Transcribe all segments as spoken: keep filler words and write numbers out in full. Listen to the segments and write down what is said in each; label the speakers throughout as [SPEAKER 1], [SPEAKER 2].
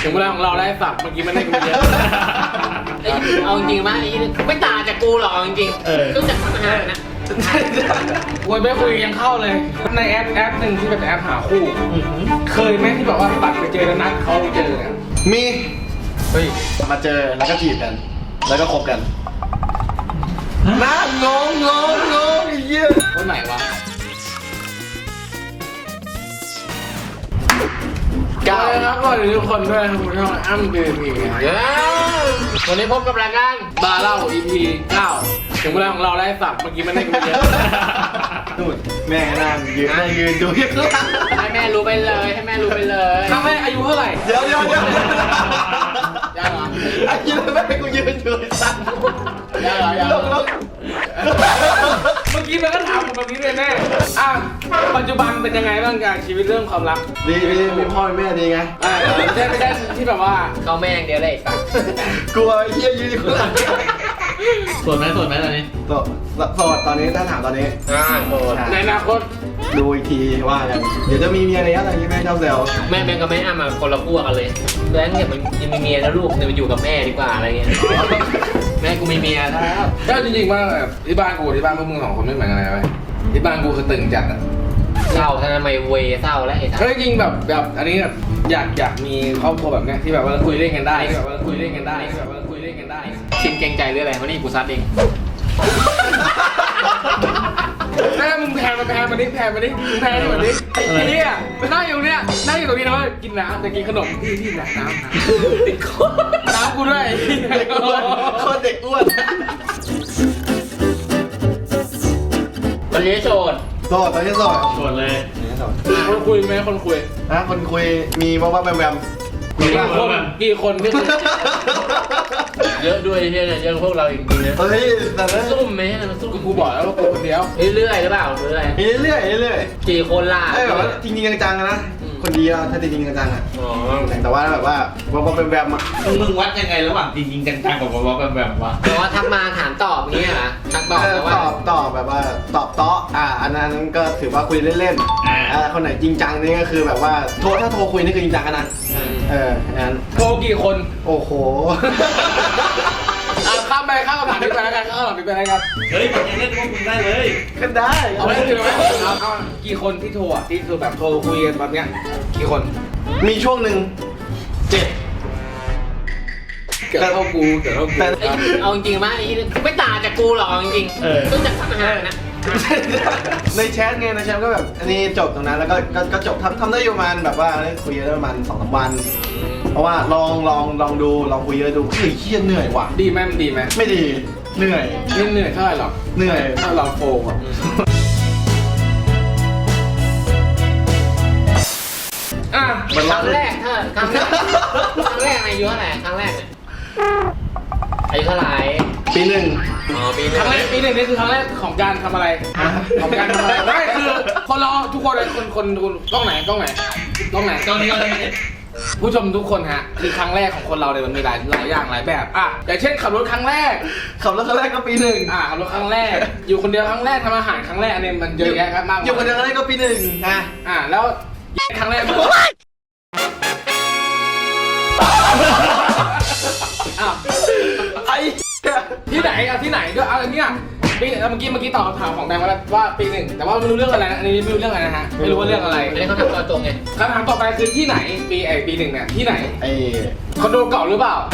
[SPEAKER 1] ถึงเวลาของเราแล้วสับเมื่อกี้มันได้กูเยอะเอาจริงๆว่าไม่ต่างจากกูหรอกจริงๆต้องจากทำอาหารนะคุยไม่คุยยังเข้าเลยในแอปแอปหนึ่งที่เป็นแอปหาคู่เคยไหมที่บอกว่าบัตรไปเจอแล้วนัดเขาเจอเนี่ย
[SPEAKER 2] มีเฮ้ยมาเจอแล้วก็จีบกัน แล้วก็คบกันน่างงงงงงเยี่ย
[SPEAKER 1] คนไหนวะก้าวครับก็ทุกคนด้วยทุกช่องอ้ำบีบีวันนี้พบกับรายการบาร์เล่า อี พี เก้าถึงเวลาของเราแล้วสับเมื่อกี้มันได้กูเยอะ
[SPEAKER 2] นู่นแม่นั่งยืนนั่งยืนดูเยอะ
[SPEAKER 1] ให้แม่รู้ไปเลยให้แม่รู้ไปเลยถ้าแม่อายุเท่าไหร่
[SPEAKER 2] เดี๋ยวเดี๋ยวเดี๋ยว
[SPEAKER 1] ยังเหรอ
[SPEAKER 2] อายุแม่กูยืนอยู่สั่น
[SPEAKER 1] ยังเหรอยังเหรอเมื่อกี้มันก็ถามผมแบบนี้เลยแม่อ่ะปัจจุบันเป็นยังไงบ้างการชีวิตเรื่องความรัก
[SPEAKER 2] ดีมีมีพ่อมีแม่ดีไง
[SPEAKER 1] อ่าไม่ใช่ไม่ใช่ที่แบบว่าเขาแม่อย่างเดียวเลย
[SPEAKER 2] กลัวเยี่ยยืนอยู่หลัง
[SPEAKER 3] โสดไหมโสดไหมตอนนี้
[SPEAKER 2] โสดโสดตอนนี้ถ้าถามตอนนี้
[SPEAKER 1] อ่าโสดในอนาคต
[SPEAKER 2] ดูอีกทีว่ากันเดี๋ยวจะมีเมียแล้วอะไรอย่างนี้แม่ชอบแซว
[SPEAKER 1] แม่แม่กับแม่อ้ามาคนละขั้วกันเลยแล้วเนี่ยมันยังมีเมียแล้วลูกเนี่ยมันอยู่กับแม่ดีกว่าอะไรเงี้ยแม่กูมีเมียแล้วก็จริงๆว่าที่บ้านกูที่บ้านพวกมึงสองคนไม่เหมือนกันเลยเว้ยที่บ้านกูคือตึงจัดอะเศร้าทำไมเวเศร้าแล้วไอ้ท่านเฮ้ยจริงแบบแบบอันนี้แบบอยากอยากมีครอบครัวแบบเนี้ยที่แบบว่าคุยเล่นกันได้ที่แบบว่าคุยเล่นกันได้ที่แบบว่าคุยเล่นกันได้ชินเกรงใจหรืออะไรวะนี่กูซัดเองแม่มึงแพนมาแพนมาดิแพนมาดิมึงแพนมาดิไอ้เนี่ยมันนั่งอยู่เนี่ยนั่งอยู่ตรงนี้นะว่ากินน้ำแต่กินขนมพี่พี่น้ำน้ำติดคอน้ำกูด้วย
[SPEAKER 2] เด็กอ้วนคนเด็กอ้วน
[SPEAKER 1] วันนี้โสด
[SPEAKER 2] โสดตอนนี้โสด
[SPEAKER 3] โสดเลย
[SPEAKER 1] คนคุยไหมคนคุย
[SPEAKER 2] นะคนคุยมีว่าว่าแวมแวม
[SPEAKER 1] กี่คนกี่คนพี่เยอะด้วยเนี่ยเยอะพวกเราจริงๆนะ
[SPEAKER 2] เฮ้ยแต่ละ
[SPEAKER 1] ซุ่มไหมซุ่มกูบอกแล้วว่ากูคนเดียวเรื่อยหรือเปล่าหรืออะไร
[SPEAKER 2] เรื่อยเรื่อย
[SPEAKER 1] กี่คนล่ะ
[SPEAKER 2] ไอ้แบบว่าจริงจริงจังๆนะคนเดียวถ้าจริงจริงจังๆอ่ะแต่ว่าแบบว่าว่าว่าแวมๆอ่ะ
[SPEAKER 3] มึงวัดยังไงระหว่างจริงจริงจังๆกับว่าแวมๆวะ
[SPEAKER 1] แต่ว่าทักมาถามตอบอย่างเงี้ยนะทักตอบแต่ว่า
[SPEAKER 2] ตอบตอบแบบว่าตอบโต๊ะอ่าอันนั้นก็ถือว่าคุยเล่นๆอ่าคนไหนจริงจังนี่ก็คือแบบว่าโทรถ้าโทรคุยนี่คือจริงจังกันนะเอออัน
[SPEAKER 1] โทรกี่คน
[SPEAKER 2] โอ้โห
[SPEAKER 1] ข้ามไปข้ามคำถามนี้ไปแล้วกันข้ามคำถามนี้ไปแล้วกัน
[SPEAKER 3] เฮ้ยยังเล่นพวกมึงได้เลย
[SPEAKER 2] ก็ได้
[SPEAKER 1] เอาไว้ถือไหมเอากี่คนที่โทรอ่ะที่คือแบบโทรคุยกันแบบเนี้ยกี่คน
[SPEAKER 2] มีช่วงหนึ่งเจ็ด
[SPEAKER 1] เกิดเท่ากูเกิดเท่ากูเอาจริงๆว่าไม่ต่างจากกูหรอกจริงๆต้องจากทำอาหารนะ
[SPEAKER 2] ในแชทไงในแชทก็แบบอันนี้จบตรงนั้นแล้วก็ก็จบทำทำได้ประมาณแบบว่าคุยได้ประมาณสองสามวันเพราะว่าลองลองลองดูลองคุยเยอะดูเฮ้ยเครียดเหนื่อยว่ะ
[SPEAKER 1] ดีไหมมันดีไหม
[SPEAKER 2] ไม่ดีเหนื่อย
[SPEAKER 1] ไม่เหนื่อยเท่าไหร่หรอก
[SPEAKER 2] เหนื่อย
[SPEAKER 1] ถ้าเราโฟมอ่ะอ่ะครั้งแรกถ้าครั้งแรกครั้งแรกอายุเท่าไหร่ครั้งแรกเนี่ยอายุเท่าไหร่
[SPEAKER 2] ปีหนึ่ง
[SPEAKER 1] อ๋อปีหนึ่งครั้งแรกปีหนึ่งนี่คือครั้งแรกของการทำอะไรของการทำอะไรไม่คือคนเราทุกคนเลยคนคนคนกล้องไหนกล้องไหนกล้องไหนกล้องนี้กล้องนี้ผู้ชมทุกคนฮะคือครั้งแรกของคนเราเนี่ยมันมีหลายหลายอย่างหลายแบบอ่ะอย่างเช่นขับรถครั้งแรก
[SPEAKER 2] ขับรถครั้งแรกก็ปีหนึ่ง
[SPEAKER 1] อ่ะขับรถครั้งแรกอยู่คนเดียวครั้งแรกทำอาหารครั้งแรกเนี่ยมันเยอะแยะมาก
[SPEAKER 2] อยู่คนเดียวครั้งแรกก็ปีหนึ่ง
[SPEAKER 1] อ่ะอ่ะแล้วครั้งแรกอ้าว
[SPEAKER 2] ไอ้
[SPEAKER 1] ที่ไหนอ่ะที่ไหนด้วยเอาอันนี้อ่ะปีเมื่อกี้เมื่อกี้ตอบคำถามของแดงว่าว่าปีหนึ่งแต่ว่าไม่รู้เรื่องอะไรนะอันนี้ไม่รู้เรื่องอะไรนะฮะไม่รู้ว่าเรื่องอะไรอันนี้เขาถามตัวตรงไงคำถามต่อไปคือที่ไหนปีไอปีหนึ่งเนี่ยที่ไหน
[SPEAKER 2] ไอ
[SPEAKER 1] คอนโดเก่าหรือเปล่า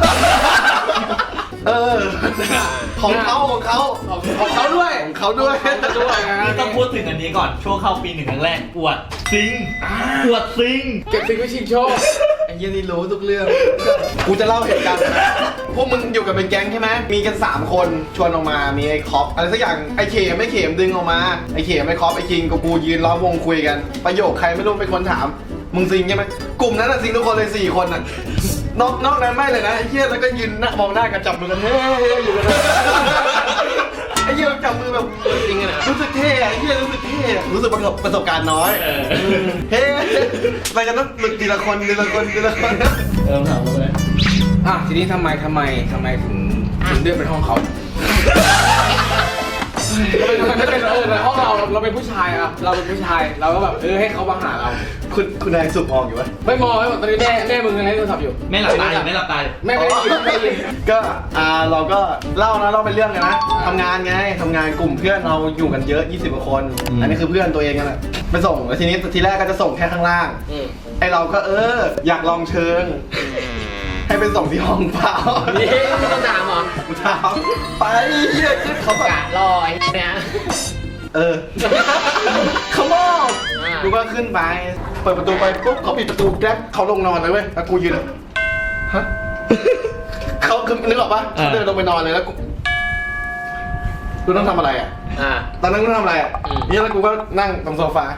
[SPEAKER 2] เออของเขาของเขา
[SPEAKER 1] ของเขาด้วย
[SPEAKER 2] ของเขาด้วย
[SPEAKER 1] ด้วย
[SPEAKER 3] นี่ต้องพูดถึงอันนี้ก่อนช่วงเข้าปีหนึ่งครั้งแรกอวดซิงอวดซิง
[SPEAKER 1] เก็บซิงไว้ชิงโชค
[SPEAKER 2] ไอ้ยี่นี่รู้ทุกเรื่องกูจะเล่าเหตุการณ์พวกมึงอยู่กันเป็นแก๊งใช่ไหมมีกันสามคนชวนออกมามีไอ้คอปอะไรสักอย่างไอ้เขมไม่เขมดึงออกมาไอ้เขมไอ้คอปไอ้คิงกับกูยืนล้อมวงคุยกันประโยคใครไม่รู้เป็นคนถามมึงซิงใช่ไหมกลุ่มนั้นอะซิงทุกคนเลยสี่คนอะนอกนอกนั้นไม่เลยนะไอ้เหี้ยแล้วก็ยืนมองหน้ากันจับมือกันเฮ้ยอยู่กันไอ้เหี้ยจับมือแบบ
[SPEAKER 1] จริงนะ
[SPEAKER 2] รู้สึกเท่ไอ้เหี้ยรู้สึกเท่รู้สึกประสบประสบการณ์น้อยเฮ้ไปกันต้องหลุดทีละคนทีละคนทีละคน
[SPEAKER 3] เออถามเลย
[SPEAKER 1] อ่ะทีนี้ทำไมทำไมทำไมถึงถึงเลือกเป็นห้องเขาทำไมไม่เป็นเออในห้องเราเราเป็นผู้ชายอะเราเป็นผู้ชายเราก็แบบเออให้เขามาหาเรา
[SPEAKER 2] คุณคุณนายสุบมองอยู่วะ
[SPEAKER 1] ไม่มองไม่บอกตอนนี้แม่แม่มึงยังไงโทรศัพท์อยู่
[SPEAKER 3] ไม่หลับตาอยู่ไม่หลับตา
[SPEAKER 1] แม่ไม่ได้ยินไม่ได้ยิน
[SPEAKER 2] ก็อ่าเราก็เล่านะเล่าเป็นเรื่องกันนะทำงานไงทำงานกลุ่มเพื่อนเราอยู่กันเยอะยี่สิบกว่าคน อันนี้คือเพื่อนตัวเองกันแหละไปส่งแล้วทีนี้ทีแรกก็จะส่งแค่ข้างล่าง
[SPEAKER 1] อืม
[SPEAKER 2] ไอเราก็เออ อยากลองเชิง ให้ไปส่งที่ห้องเปล่า
[SPEAKER 1] นี่ไม่ต้องถามเหรอ
[SPEAKER 2] กูถามไปเฮียขึ้นเขาแบบ
[SPEAKER 1] กะรอไอ้เนี่ย
[SPEAKER 2] เออเขาบอก
[SPEAKER 1] อ่า
[SPEAKER 2] กูก็ขึ้นไปเปิดประตูไปปุ๊บเขาปิดประตูแกร็บเขาลงนอนเลยเว้ยแล้วกูยืนแบบฮะเขาคือนึกออกปะเดินลงไปนอนเลยแล้วกูกูต้องทำอะไรอ่ะ
[SPEAKER 1] อ่า
[SPEAKER 2] ตอนนั้นกูทำอะไรอ่ะ
[SPEAKER 1] อืม
[SPEAKER 2] นี่แล้วกูก็นั่งตรงโซฟา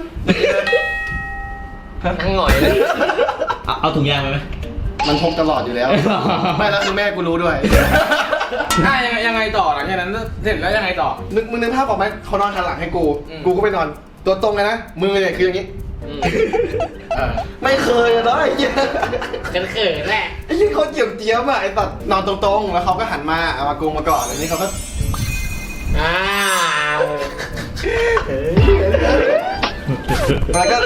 [SPEAKER 1] นั่งหงอยเลย
[SPEAKER 3] เอาเอาถุงยางไปไหม
[SPEAKER 2] มันพกตลอดอยู่แล้ว ไม่แล้วคือแม่กูรู้ด้วย
[SPEAKER 1] อ่ะยังไงยังไงต่อหลังจากนั้นเสร็จแล้วยังไงต่อ
[SPEAKER 2] นึกมึงนึกภาพออกไหมเขานอนหันหลังให้กู
[SPEAKER 1] อืม
[SPEAKER 2] กูก็ไปนอน ตัวตรงเลยนะ มือเนี่ยคืออย่างนี้
[SPEAKER 1] อืมเออ
[SPEAKER 2] ไม่เคยอะเนาะไอ้เหี้ย
[SPEAKER 1] กันเขินแหละ
[SPEAKER 2] ไอ้เหี้ยเขาเจียมเจี๊ยบอะไอ้ตัดนอนตรงๆ แล้วเขาก็หันมาเอามากูมาก่อนอันนี้เขาก็
[SPEAKER 1] อ้าว
[SPEAKER 2] แล้วก็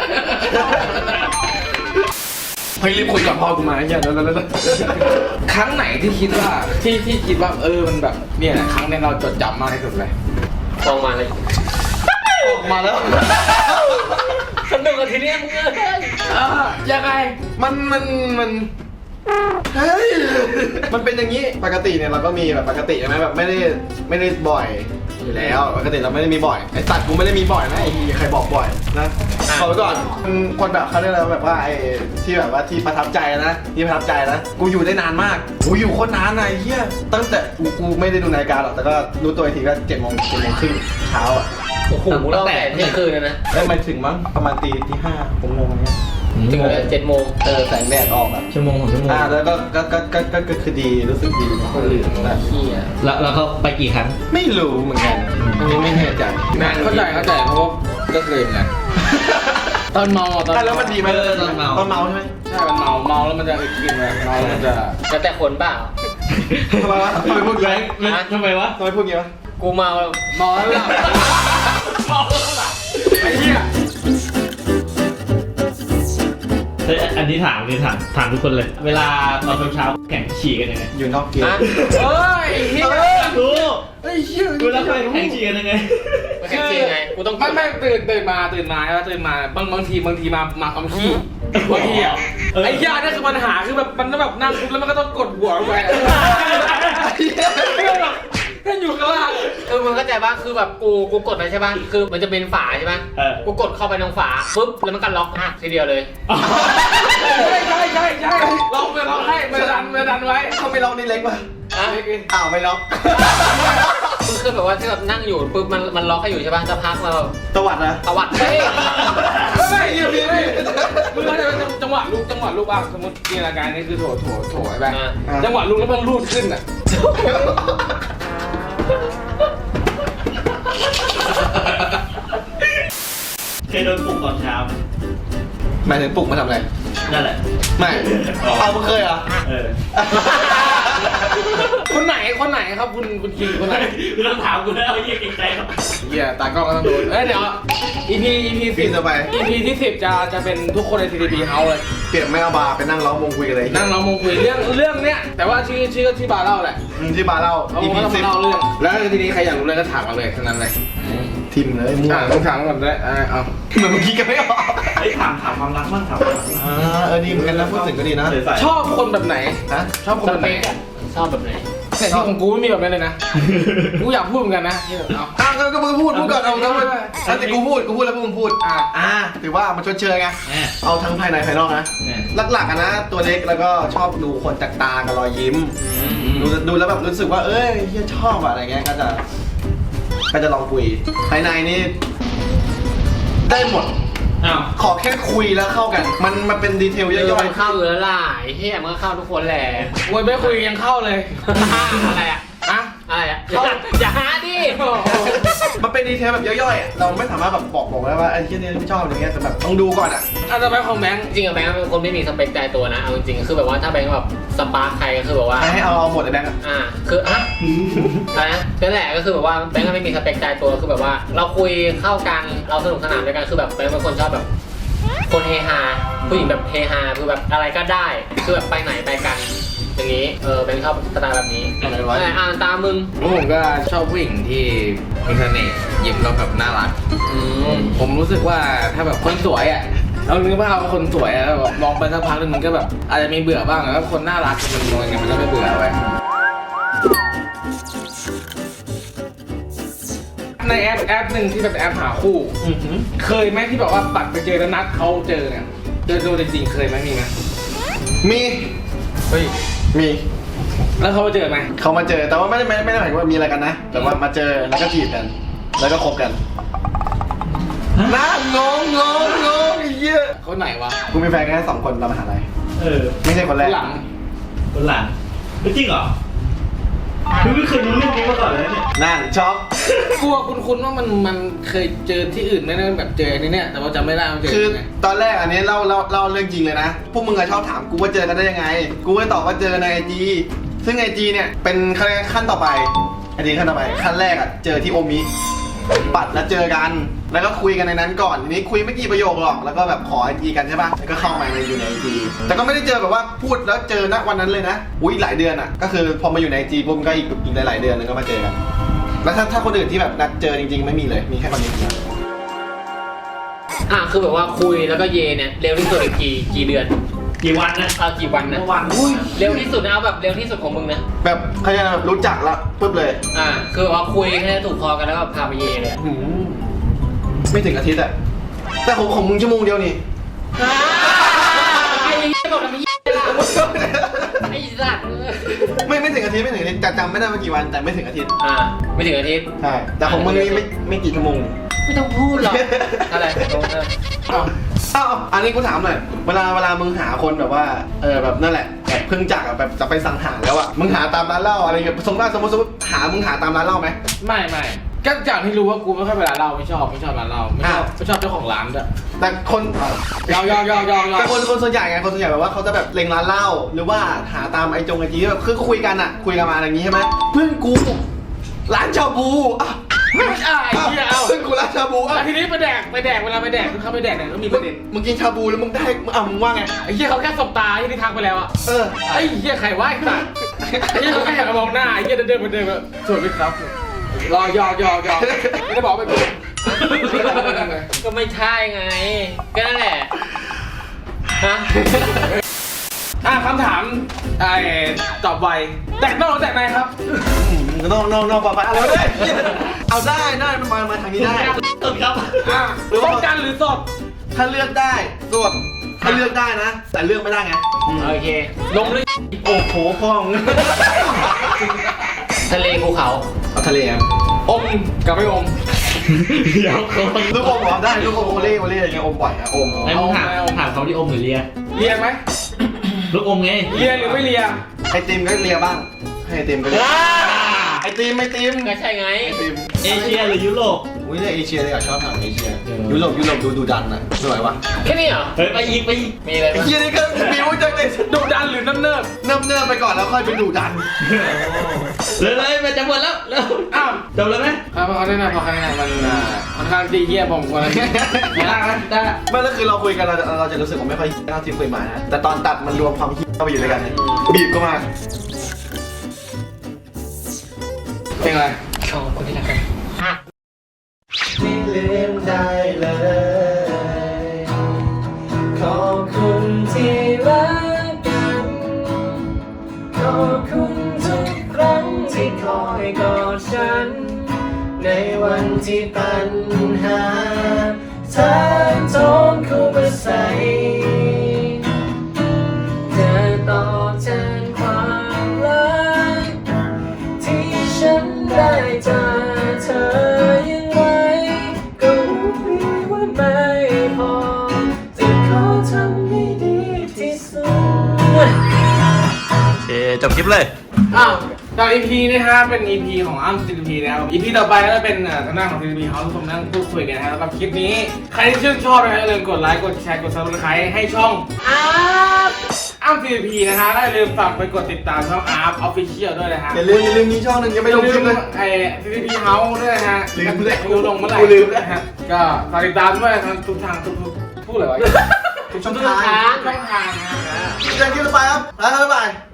[SPEAKER 2] เฮ้ยรีบคุยกับพ่อกูมาไอ้เหี้ยแล้วแล้วแล้ว
[SPEAKER 1] ครั้งไหนที่คิดว่าที่ที่คิดว่าเออมันแบบเนี่ยแหละครั้งนี้เราจดจำมากที่สุดเลยฟองมาเลย
[SPEAKER 2] ออกมาแล้ว
[SPEAKER 1] สนุกกับทีเนี้ยมึงเอ้ยอ่ะยังไง
[SPEAKER 2] มันมันมันเฮ้ยมันเป็นอย่างนี้ปกติเนี่ยเราก็มีแบบปกติใช่ไหมแบบไม่ได้ไม่ได้บ่อยอยู่แล้วปกติเราไม่ได้มีบ่อยไอ้ตัดกูไม่ได้มีบ่อยนะไอ้ใครบอกบ่อยนะขอไว้ก่อนมันคนแบบเขาเรียกอะไรแบบว่าไอ้ที่แบบว่าที่ประทับใจนะที่ประทับใจนะกูอยู่ได้นานมากกูอยู่โคตรนานนะไอ้เหี้ยตั้งแต่กูกูไม่ได้ดูนาฬิกาหรอกแต่ก็รู้ตัวอีกทีก็เจ็ดโมงเจ็ดโมงครึ่งเช้าอ่ะ
[SPEAKER 1] โอ้โหเราแต่เที่ยงคืนนะนะ
[SPEAKER 2] เอ้ยไม่ถึงมั้งประมาณตีตีห้าหกโมงเนี้ย
[SPEAKER 1] ถึงเลยเจ็ดโมง
[SPEAKER 2] เออแสงแดดออกอ่ะ
[SPEAKER 3] ชั่วโมงของชั่วโมง
[SPEAKER 2] อ่าแล้วก็ก็ก็ก็ก็ก็คือดีรู้สึกดี
[SPEAKER 1] คนเหลืองแบบพี่อ่ะ
[SPEAKER 3] แล้วแล้วเขาไปกี่ครั้ง
[SPEAKER 2] ไม่รู้เหมือนกันอันนี้ไม่แน่ใจ
[SPEAKER 1] เข้าใจเข้าใจเพราะว่าก็เคยเหมือนกันตอนเมาอ่ะตอน
[SPEAKER 2] อ่ะแล้วมันดีไหม
[SPEAKER 3] เออตอนเมา
[SPEAKER 2] ตอนเมาใช่ไหม
[SPEAKER 1] ใช่มันเมาเมาแล้วมันจะกินเลยเมาแล้วมันจะแล้วแต่คนเปล่า
[SPEAKER 2] ทำไมวะทำไมพูด
[SPEAKER 3] แบ
[SPEAKER 2] งี้
[SPEAKER 3] งค์แล้วทำไมวะ
[SPEAKER 2] ทำไมพูดงี้วะ
[SPEAKER 1] กูเมาเมาแล้วหลับเมาแล้วหลับไอ้เหี้ย
[SPEAKER 3] เฮ้ยอันนี้ถามอันนี้ถามถามทุกคนเลย เวลาตอนเช้าๆแข่งฉี่กันยังไง
[SPEAKER 2] อยู่นอกเกม
[SPEAKER 1] อ่ะเอ้ยเหี้ย
[SPEAKER 3] ดู
[SPEAKER 2] ไอ้เหี้ย
[SPEAKER 3] เวลาแข่งฉี่กันยังไง
[SPEAKER 1] แข่งจริงไงกูต้องไม่ไม่ตื่นตื่นมาตื่นมาแล้วตื่นมาบางบางทีบางทีมามาคำขี้บางทีอ่ะ
[SPEAKER 3] เออ
[SPEAKER 1] ไอ้ยาเนี่ยคือปัญหาคือแบบมันต้องแบบนั่งปุ๊บแล้วมันก็ต้องกดหัวลงไปถ้าอยู่ข้างล่างคือมึงเข้าใจป่ะคือแบบกูกูกดไปใช่ป่ะคือมันจะเป็นฝาใช่ป่ะ
[SPEAKER 3] เออ
[SPEAKER 1] กูกดเข้าไปตรงฝาปุ๊บแล้วมันก็ล็อกหักทีเดียวเลยใช่ใช่ใช่ใช่ล็อกไปล็อกให้มันดันมันดันไว้
[SPEAKER 2] เขาไม่ล็อกนี่เล็กป่ะ
[SPEAKER 1] อ่ะ
[SPEAKER 2] อ้าวไม่ล็อก
[SPEAKER 1] มึงคือแบบว่าที่แบบนั่งอยู่ปุ๊บมันมันล็อกให้อยู่ใช่ป่ะจะพักมาแบบ
[SPEAKER 2] ตวัดนะ
[SPEAKER 1] ตวัดเฮ้ยไม่เยี่ยมพี่มึงเข้าใจไหมจังหวะลูกจังหวะลูกอ่ะสมมติจินตนาการนี่คือโถโถโถไอ้แบงจังหวะลูกแล้วมันรูดขึ้นอ่ะ
[SPEAKER 3] เคยโดนปลุกตอนเช้าไหม
[SPEAKER 2] หมายถึงปลุกมาทำอะไร
[SPEAKER 3] นั่นแหละ
[SPEAKER 2] ไม่
[SPEAKER 3] อ๋อ
[SPEAKER 2] เอามึงเคยเหรอ
[SPEAKER 3] เออ
[SPEAKER 1] คนไหนคนไหนครับคุณคุณคิงคนไหน
[SPEAKER 3] ไม่ต้องถามกูแล้วเยี่ยเก่งใจเขา
[SPEAKER 1] เหี้ยตากล้องก็ต้องโดนเอ้ยเดี๋ยว EP EP
[SPEAKER 2] ปี
[SPEAKER 1] สิบ
[SPEAKER 2] ต่อไป
[SPEAKER 1] EP ที่สิบจะจะเป็นทุกคนใน ที ดี พี House เลย
[SPEAKER 2] เปลี่ยนไม่เอาบาร์ไปนั่งล้อมวงคุยกันเลย
[SPEAKER 1] นั่งเรามงคุยเรื่องเรื่องเนี้ยแต่ว่าชื่อชื่อที่บาร์เล่าแหละ
[SPEAKER 2] อืมที่บาร์เล่า
[SPEAKER 1] เรา
[SPEAKER 2] อี
[SPEAKER 1] ก็
[SPEAKER 2] พี
[SPEAKER 1] ต้อง
[SPEAKER 2] สิบ
[SPEAKER 1] มาเล่าเรื่อง แล้วทีนี้ใครอยากรู้เลยก็ถามมาเลยเท่านั้นเลย
[SPEAKER 2] ทิมเลยมั่ว
[SPEAKER 1] อ่าต้องถามก่อนได้อ่าเอา
[SPEAKER 2] เหมือนเมื่อกี้กันไม่ออก
[SPEAKER 3] ไอ้ยถามถามความรักบ้างถามความรักบ้าง
[SPEAKER 2] อ่าเออดีเหมือนกันนะพูดถึงก็ดีนะ
[SPEAKER 3] ใส่
[SPEAKER 1] ชอบคนแบบไหน
[SPEAKER 2] ฮะ
[SPEAKER 1] ชอบคนสแบบเป
[SPEAKER 2] à?
[SPEAKER 1] คไหนอะชอบแบบไหนแต่ที่ของกูไม่มีแบบนั้นเลยนะ กูอยากพูดเหมือนกันนะที่แบบเอา
[SPEAKER 2] อ้าวก็ก็มึงพูดพูดก่อนเอาก็พูดแล้วแต่กูพูดกูพูดแล้วพวกมึงพูด
[SPEAKER 1] อ่ะ
[SPEAKER 2] อ่าถือว่ามันชดเชยไง
[SPEAKER 3] แหม
[SPEAKER 2] เอาทั้งภายในภายนอกนะ
[SPEAKER 3] แหม
[SPEAKER 2] หลักๆอะนะตัวเล็กแล้วก็ชอบดูคนจากตากับรอยยิ้ม ดูดูแล้วแบบรู้สึกว่าเอ้ยเฮียชอบอะอะไรเงี้ยก็จะก็จะลองคุยภายในนี่ได้หมด
[SPEAKER 3] อ้าว
[SPEAKER 2] ขอแค่คุยแล้วเข้ากัน มันมันเป็นดีเทล
[SPEAKER 1] เย
[SPEAKER 2] ย่
[SPEAKER 1] อะ
[SPEAKER 2] อย
[SPEAKER 1] มันเข้าอยู่แล้วล่ะไอ้เหี้ยมันก็เข้าทุกคนแหละโวยไม่คุยยังเข้าเลย อะไรอ่ะอะอะไรอ่ะอย่าอย่าหาดิ
[SPEAKER 2] มันเป็นดีเทลแบบย่อยๆอะเราไม่สามารถแบบบอกบอกได้ว่าไอ้ที่นี่ไม่ชอบอะไรเงี้ยแต่แบบต้องดูก่อนอ่ะ
[SPEAKER 1] อาจจะไปของแบงค์จริงๆอะแบงค์เป็นคนไม่มีสเปคตายตัวนะเอาจริงๆคือแบบว่าถ้าแบงค์แบบสปาร์คใครก็คือแบบว่า
[SPEAKER 2] ให้เอาเอาหมดเลยแบงค์อะ
[SPEAKER 1] อ่าคืออะอะไรนะนั่นแหละก็คือแบบว่าแบงค์ก็ไม่มีสเปคตายตัวคือแบบว่า เราคุยเข้ากันเราสนุกสนานด้วยกันคือแบบแบงค์เป็นคนชอบแบบคนเฮฮาผู้หญิงแบบเฮฮาคือแบบอะไรก็ได้คือแบบไปไหนไปกันอย่างนี้เออแบงค์ชอบสไตล์แบบนี้
[SPEAKER 2] อะไรวะ
[SPEAKER 1] อ่านตามมึง
[SPEAKER 4] ผมก็ชอบผู้หญิงที่มีเสน่ห์ยิ้มแล้วแบบน่ารัก
[SPEAKER 1] อืม
[SPEAKER 4] ผมรู้สึกว่าถ้าแบบคนสวยอ่ะเรานึกว่าเอาคนสวยอะแล้วแบบมองไปสักพักนึงมันก็แบบอาจจะมีเบื่อบ้างแต่ว่าคนน่ารักมันมองยังไงมันก็ไม่เบื่อไว้ยในแอปแอปหนึ่งที่แบบแอปหาคู่
[SPEAKER 2] อือหือ
[SPEAKER 4] เคยไหมที่แบบว่าปัดไปเจอแล้วนัดเขาเจอเนี่ยเจอตัวจริงๆเคยไหมมีไหม
[SPEAKER 2] มี
[SPEAKER 4] เฮ้ย
[SPEAKER 2] มี
[SPEAKER 4] แล้วเขามาเจอไหม
[SPEAKER 2] เขามาเจอแต่ว่าไม่ได้ไม่ได้ไม่ได้หมายถึงว่ามีอะไรกันนะ แต่ว่ามาเจอแล้วก็จีบกัน แล้วก็คบกันนะงงงงงงไอ้เหี้ย
[SPEAKER 4] เขาไหนวะ
[SPEAKER 2] กูมีแฟนแค่สองคนตอนมหาลัย
[SPEAKER 3] เออ
[SPEAKER 2] ไม่ใช่คนแรก
[SPEAKER 4] หลัง
[SPEAKER 3] คนหลังไม่จริงเหรอคือไม่เคยรู้เรื่องนี้มาก่อนเลยเนี่ย
[SPEAKER 2] นั่นช็อก
[SPEAKER 4] กลัวคุ้นๆว่ามันมันเคยเจอที่อื่นไม่ได้แบบเจออันนี้เนี่ยแต่ว่าจำไม่ได้ว่าเจอ
[SPEAKER 2] คือ
[SPEAKER 4] ยังไง
[SPEAKER 2] ตอนแรกอันนี้เล่าเล่าเล่าเรื่องจริงเลยนะ พวกมึงอะชอบถามกูว่าเจอกันได้ยังไง กูก็ตอบว่าเจอในไอจีซึ่งไอจีเนี่ยเป็นขั้นขั้นต่อไปไอจีขั้นต่อไปขั้นแรกอะเจอที่โอมิปัดแล้วเจอกัน แล้วก็คุยกันในนั้นก่อนทีนี้คุยไม่กี่ประโยคหรอกแล้วก็แบบขอไอจีกันใช่ปะแล้วก็เข้ามาในอยู่ในไอจีแต่ก็ไม่ได้เจอแบบว่าพูดแล้วเจอณวันนั้นเลยนะอุ้ยหลายเดือนอะก็คือพอมาอยู่ในไอจีปุ๊บก็อีกอีกหลายๆเดือนนึงก็มาเจอกัน แล้วถ้าถ้าคนอื่นที่แบบนัดเจอจริงๆไม่มีเลยมีแค่คนนี้คนเดียว
[SPEAKER 1] อ่ะคือแบบว่าคุยแล้วก็เยเนี่ยเร็วที่สุดอีกกี่กี่เดือน
[SPEAKER 3] กี่วันนะ
[SPEAKER 1] เอากี่วันนะ
[SPEAKER 3] เมื่อวัน
[SPEAKER 2] อุ้ย
[SPEAKER 1] เร็วที่สุดนะเอาแบบเร็วที่สุดของมึงนะ
[SPEAKER 2] แบบเขาจะแบบรู้จักละปุ๊บเลย
[SPEAKER 1] อ่าคือแบบว่าคุยแค่ถูกคอกันแล้วก็พาไปเยเลยอะ
[SPEAKER 2] หืมไม่ถึงอาทิตย์อะแต่ของของมึงชั่วโมงเดียวนี่
[SPEAKER 1] ไอ้เหี้ยบอกทำไมเหี้ยล่ะไอ้สัตว์
[SPEAKER 2] ไม่ไม่ถึงอาทิตย์ไม่ถึงอาทิตย์แต่จำไม่ได้ว่ากี่วันแต่ไม่ถึงอาทิตย์
[SPEAKER 1] อ่าไม่ถึงอาทิตย์
[SPEAKER 2] ใช่แต่ของมึงนี่ไม่ไม่กี่ชั่วโมง
[SPEAKER 1] ไม่ต้องพูดหรอกอะไรเออ
[SPEAKER 2] อ้าวอ้าวอันนี้กูถามหน่อยเวลาเวลามึงหาคนแบบว่าเออแบบนั่นแหละแบบเพิ่งจากอะแบบจะไปสั่งหาแล้วอะมึงหาตามร้านเหล้าอะไรเงี้ยสมมติสมมติสมมติหามึงหาตามร้านเหล้าไหม
[SPEAKER 4] ไม่ไม่ก็จากที่รู้ว่ากูไม่ค่อยเวลาเล่าไม่ชอบไม่ชอบร้านเราไม่ชอบไม่ชอบเจ้าของร้านด้วย
[SPEAKER 2] แต่คน
[SPEAKER 4] ยาวยาวยาวยาวยาว
[SPEAKER 2] แต่คนคนส่วนใหญ่ไงคนส่วนใหญ่แบบว่าเขาจะแบบเล็งร้านเหล้าหรือว่าหาตามไอจงไอจีแบบคือคุยกันอะคุยกันมาอะไรอย่างงี้ใช่ไหมเพื่อนกูร้านชาบูอ่ะ
[SPEAKER 4] ไม่ใช่ไอ้เหี้ยเอา
[SPEAKER 2] เพื่อนกูร้านชาบูอ่ะ
[SPEAKER 4] ทีนี้ไปแดกไปแดกเวลาไปแดกเข้าไปแดกเนี่ยก็มีประเด็น
[SPEAKER 2] มึงกินชาบูแล้วมึงได้มึงอ่ะมึงว่าไง
[SPEAKER 4] ไอ้เหี้ยเขาแค่สบตาที่ที่ทักไปแล้วอะ
[SPEAKER 2] เออ
[SPEAKER 4] ไอ้เหี้ยใครว่าไอ้สัตว์ไอ้เหี้ยเขาแค่หันมามองหน้าไอ้เหี้ยเดินเดินมาเดินมาสวัสดีครับรอยอยอยอไม่ได้บอกไปกู
[SPEAKER 1] ก็ไม่ใช่ไงก็นั่นแหละฮะ
[SPEAKER 4] อ่ะคำถามไอ้ตอบไวแตกนอกหรือแตกในครับ
[SPEAKER 2] นอกนอกนอกปะปะอะไรวะเนี่ยเอาได้ได้มันมามาทางนี้ได้
[SPEAKER 3] สุดครับ
[SPEAKER 4] อ่ะป้องกันหรือสด
[SPEAKER 2] ถ้าเลือกได้ส่วนถ้าเลือกได้นะ แต่เลือกไม่ได้ไง
[SPEAKER 1] โอเคน
[SPEAKER 4] มหรือ
[SPEAKER 2] โอ้โหพ่อง
[SPEAKER 1] ทะเลภูเขา
[SPEAKER 2] เอาทะเลครับ
[SPEAKER 4] อมกับไม่อม
[SPEAKER 3] เดี๋ยวเขา
[SPEAKER 2] ลูกอมเหรอได้ลูกอมโอเล่โอเล่อะไรเงี้ยอมบ่อยอะอม
[SPEAKER 3] ไอ้มึงถามถามเขาที่อมหรือเลีย
[SPEAKER 4] เลียไหม
[SPEAKER 3] ลูกอมไง
[SPEAKER 4] เลียหรือไม่เลีย
[SPEAKER 2] ไอติมก็เลียบ้างให้ไอติมก็เลียไอติมไอติม
[SPEAKER 1] ก็ใช่ไง
[SPEAKER 2] ไอติม
[SPEAKER 3] เอเชียหรือยุโรป
[SPEAKER 2] อุ้ยเนี่ยเอเชียเลยอ่ะชอบทางเอเชีย
[SPEAKER 3] เออ
[SPEAKER 2] ยุโรปยุโรปดูดูดันอ่ะสวยวะ
[SPEAKER 1] แค่นี้เหรอ
[SPEAKER 3] เฮ้ยไปอีกไปอีก
[SPEAKER 1] มีอะไร
[SPEAKER 2] ไอ้
[SPEAKER 1] บ้าง
[SPEAKER 2] เฮียนี่ก็บิวจังเลย
[SPEAKER 4] ดุดันหรือน้ำเนิบ
[SPEAKER 2] เนิ่มเนิ่มไปก่อนแล้วค่อยไปดูดัน
[SPEAKER 3] เลยเลยมันจะหมดแล้วแล้ว
[SPEAKER 4] อ้าว
[SPEAKER 3] จบแล้วไหม
[SPEAKER 4] พอเขาได้นะพอเขาได้นะมันอ่าค่อนข้างดีเยี่ยมผมกว่านั้นไม่ได้นะได้
[SPEAKER 2] ไม่แล้วคือเราคุยกันเราจะเราจะรู้สึกว่าไม่ค่อยเท่าที่คุยมานะแต่ตอนตัดมันรวมความคิดเข้าไปอยู่ด้วยกันเนี่ยบีบก็มา
[SPEAKER 4] เพลงอะไร
[SPEAKER 1] ชอบคนที่รักกัน
[SPEAKER 2] ไม่ลืมได้เลย ขอบคุณที่รักกัน ขอบคุณทุกครั้งที่คอยกอดฉัน ในวันที่ปัญหาทางโทนเข้ามาใส่เธอตอบแทนความรักที่ฉันได้จากเธอยังไงก็รู้ดีว่าไม่พอจะขอทำให้ดีที่สุด
[SPEAKER 3] โอเคจบคลิปเลย
[SPEAKER 1] อ้าว
[SPEAKER 4] ตอน อี พี นี่ฮะเป็น อี พี ของอ้ำ ซี ที พี นะครับ อี พี ต่อไปก็จะเป็นเอ่อทางด้านของ ซี ที พี เขาทุกคนนั่งพูดคุยกันนะฮะแล้วก็คลิปนี้ใครที่ชื่นชอบนะฮะอย่าลืมกดไลค์กดแชร์กด ซับสไครบ์ ให้ช่องอาร์ฟอ้ำ ซี ที พี นะฮะแล้วอย่าลืมฝากไปกดติดตามช่องอาร์ฟ Official ด้วยนะฮะ
[SPEAKER 2] อย่าลืมอย่าลืมมีช่องหนึ่งยังไม่ลงคลิปเลย
[SPEAKER 4] ไอ้ ซี ที พี House ด้วยนะฮะ
[SPEAKER 2] ลืมเลย
[SPEAKER 4] ไม่รู้ลงเมื่อไหร่
[SPEAKER 2] กูลืมแล้ว
[SPEAKER 4] นะฮะก็ฝากติดตามด้วยทางทุกทางทุกทุกพูดเลยวะ
[SPEAKER 2] ทุกช่อง
[SPEAKER 4] ทุก
[SPEAKER 2] ทาง
[SPEAKER 4] ทางช่องทางนะฮะ
[SPEAKER 2] เจอกันคลิปต่อไปครับบ๊ายบาย